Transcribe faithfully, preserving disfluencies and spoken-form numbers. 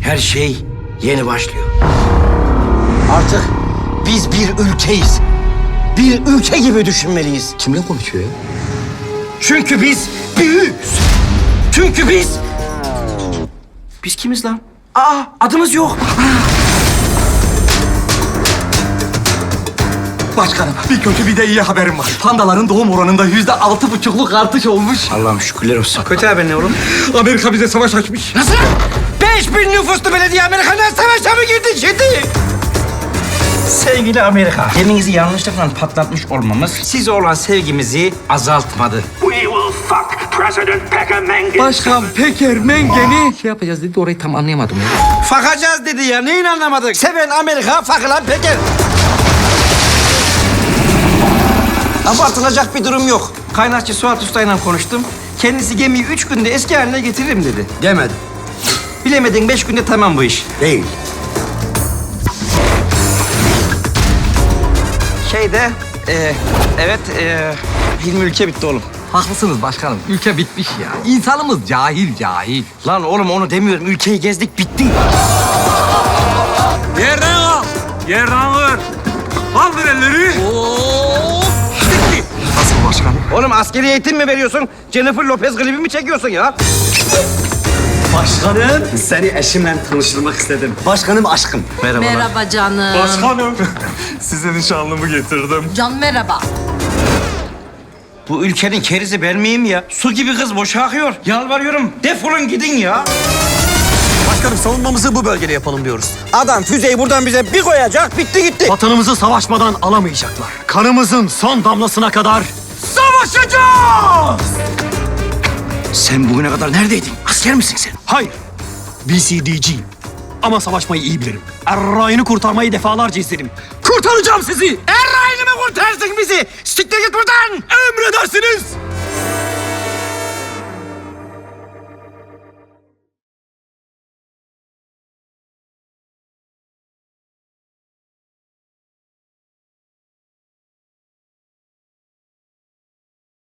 Her şey yeni başlıyor. Artık biz bir ülkeyiz. Bir ülke gibi düşünmeliyiz. Kimle konuşuyor ya? Çünkü biz büyüğüz. Çünkü biz... Biz kimiz lan? Aa, adımız yok. Başkanım, bir kötü bir de iyi haberim var. Pandaların doğum oranında yüzde altı buçukluk artış olmuş. Allah'ım şükürler olsun. Kötü haber ne oğlum? Amerika bize savaş açmış. Nasıl? Beş bin nüfuslu belediye Amerika'dan savaşa mı girdi şimdi? Sevgili Amerika, geminizi yanlışlıkla patlatmış olmamız size olan sevgimizi azaltmadı. We will fuck President Pecker Mengen. Başkan Peker Mengen'i şey yapacağız dedi, orayı tam anlayamadım ya. Fakacağız dedi ya, neyin anlamadık? Seven Amerika, fakılan Peker. Abartılacak bir durum yok. Kaynakçı Suat Usta'yla konuştum. Kendisi gemiyi üç günde eski haline getiririm dedi. Demedim. Bilemedin beş günde tamam bu iş. Değil. Şeyde, e, evet, e, Hilmi ülke bitti oğlum. Haklısınız başkanım, ülke bitmiş ya. İnsanımız cahil cahil. Lan oğlum onu demiyorum, ülkeyi gezdik bitti. Yerden al. Yerden kır. Kaldır elleri. Nasıl başkanım? Oğlum askeri eğitim mi veriyorsun? Jennifer Lopez klibi mi çekiyorsun ya? Başkanım, seni eşimle tanıştırmak istedim. Başkanım aşkım. Merhabalar. Merhaba canım. Başkanım. Size nişanlımı getirdim. Can merhaba. Bu ülkenin kerizi ben miyim ya? Su gibi kız boşa akıyor. Yalvarıyorum, defolun gidin ya. Başkanım savunmamızı bu bölgede yapalım diyoruz. Adam füzeyi buradan bize bir koyacak, bitti gitti. Vatanımızı savaşmadan alamayacaklar. Kanımızın son damlasına kadar Savaşacağız! Sen bugüne kadar neredeydin? Asker misin sen? hayır. B C D G'yim. Ama savaşmayı iyi bilirim. Errayını kurtarmayı defalarca istedim. Kurtaracağım sizi. Errayını mı kurtarsın bizi? Siktir git buradan! Emredersiniz.